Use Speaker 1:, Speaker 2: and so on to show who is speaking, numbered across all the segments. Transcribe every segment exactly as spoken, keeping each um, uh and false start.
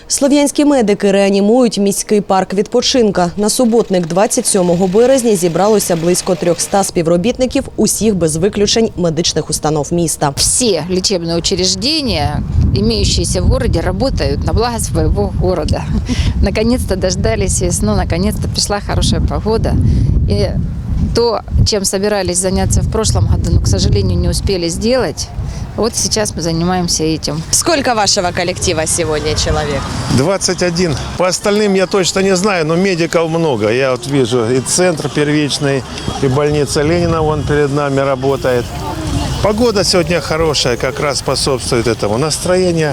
Speaker 1: Слов'янські медики реанімують міський парк відпочинка. На суботник двадцять сьомого березня зібралося близько трьохсот співробітників усіх без виключень медичних установ міста.
Speaker 2: Все лечебные учреждения, имеющиеся в городе, работают на благо своего города. Наконец-то дождались весну, наконец-то пришла хорошая погода. И то, чем собирались заняться в прошлом году, но, к сожалению, не успели сделать, вот сейчас мы занимаемся этим.
Speaker 1: Сколько вашего коллектива сегодня человек?
Speaker 3: двадцать один. По остальным я точно не знаю, но медиков много. Я вот вижу и центр первичный, и больница Ленина вон перед нами работает. Погода сегодня хорошая, как раз способствует этому. Настроение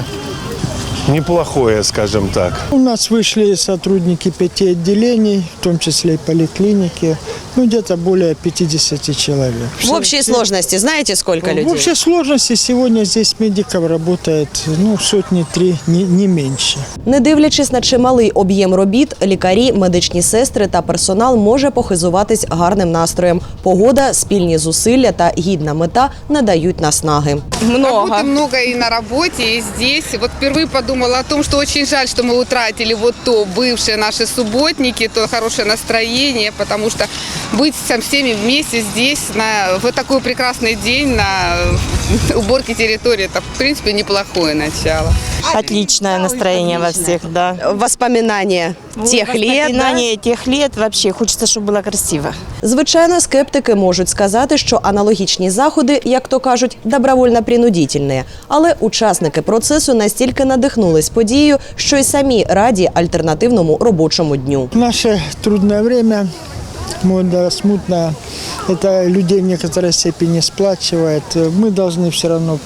Speaker 3: неплохое, скажем так.
Speaker 4: У нас вышли сотрудники пяти отделений, в том числе и поликлиники, ну где-то более пятидесяти человек.
Speaker 1: В общей сложности знаете, сколько людей?
Speaker 4: В общей сложности сегодня здесь медиков работает ну, сотни три, не, не меньше.
Speaker 1: Не дивлячись на чималий об'єм робіт, лікарі, медичні сестри та персонал може похизуватись гарним настроєм. Погода, спільні зусилля та гідна мета надають наснаги.
Speaker 5: Работы много и на работе, и здесь. Вот впервые подумала о том, что очень жаль, что мы утратили вот то бывшие наши субботники, то хорошее настроение, потому что быть со всеми вместе здесь на, в такой прекрасный день на уборке территории, это в принципе неплохое начало.
Speaker 6: Отличное настроение во всех, да.
Speaker 1: Воспоминання тих лет.
Speaker 6: Воспоминания тех лет вообще. Хочется, чтобы было красиво.
Speaker 1: Звичайно, скептики можуть сказати, що аналогічні заходи, як то кажуть, добровольно-принудительні. Але учасники процесу настільки надихнулись подією, що й самі раді альтернативному робочому дню.
Speaker 4: В наше трудное время, мода смутная, это людей в некоторой степени сплачивает. Мы должны все равно,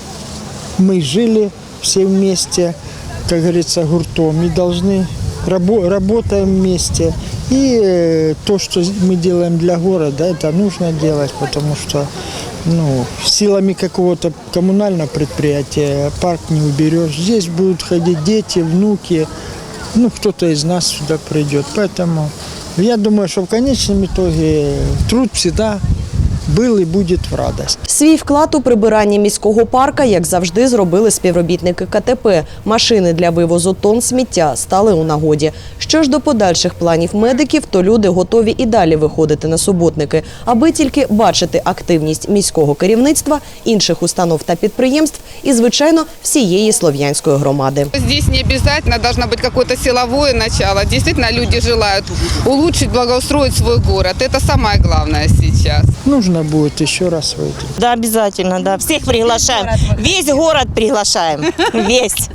Speaker 4: мы жили все вместе, как говорится, гуртом, и должны рабо- работаем вместе. И э, то, что мы делаем для города, это нужно делать, потому что ну, силами какого-то коммунального предприятия парк не уберешь. Здесь будут ходить дети, внуки, ну, кто-то из нас сюда придет. Поэтому я думаю, что в конечном итоге труд всегда был и будет в радость.
Speaker 1: Свій вклад у прибирання міського парка, як завжди, зробили співробітники ка те пе. Машини для вивозу тонн сміття стали у нагоді. Що ж до подальших планів медиків, то люди готові і далі виходити на суботники, аби тільки бачити активність міського керівництва, інших установ та підприємств і, звичайно, всієї слов'янської громади.
Speaker 5: Здесь не обязательно должно быть какое-то силовое начало. Действительно, люди желают улучшить, благоустроить свой город. Это самое главное сейчас.
Speaker 4: Нужно будет еще раз выйти.
Speaker 6: Да, обязательно, да. Всех приглашаем. Весь город приглашаем. Весь.